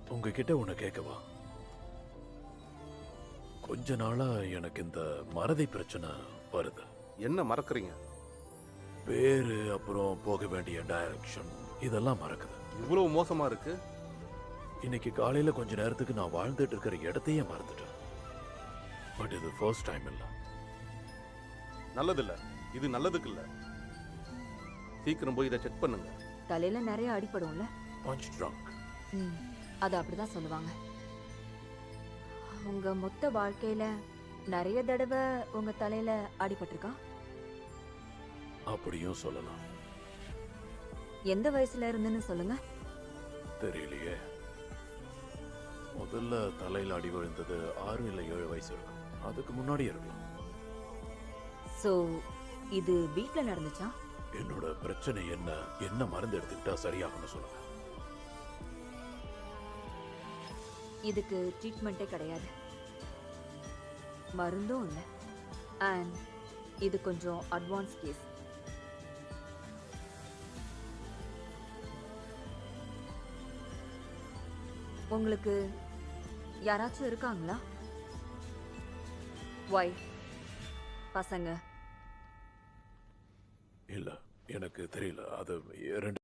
உங்ககிட்ட ஒண்ணு கேட்கவா? கொஞ்ச நாளா எனக்கு இந்த மறதி பிரச்சனை வருது. என்ன மறக்கறீங்க? பேரு, அப்புறம் போக வேண்டிய டைரக்ஷன், இதெல்லாம் மறக்குது. இவ்வளவு மோசமா இருக்கு? இன்னைக்கு காலையில கொஞ்ச நேரத்துக்கு நான் வாழ்ந்துட்டு இருக்கிற இடத்தையே மறந்துட்டேன். பட் இது ஃபர்ஸ்ட் டைம் இல்ல. நல்லதில்ல, இது நல்லதுக்கு இல்ல. சீக்கிரம் போய் இதை செக் பண்ணுங்க. தலையில நிறைய அடிபடும்ல? Punch trunk. அது அப்படிதான் சொல்லுவாங்க. உங்க மொத்த வாழ்க்கையில நிறைய தடவை உங்க தலையில அடிபட்டிருக்கா? அப்படியும் சொல்லலாம். எந்த வயசுல இருந்துன்னு சொல்லுங்க. தெரியலையே. முதல்ல தலையில அடி விழுந்தது 6 இல்ல 7 வயசு இருக்கும். அதுக்கு முன்னாடி இருக்கலாம். சோ இது வீட்ல நடந்துச்சா? என்னோட பிரச்சனை என்ன மருந்து எடுத்துக்கிட்டா சரியாகும்னு சொல்லுங்க. இதுக்கு ட்ரீட்மெண்ட்டே கிடையாது, மருந்தும் இல்லை. அண்ட் இது கொஞ்சம் அட்வான்ஸ் கேஸ். உங்களுக்கு யாராச்சும் இருக்காங்களா? ஒய்ஃப், பசங்க? இல்ல, எனக்கு தெரியல. அது 2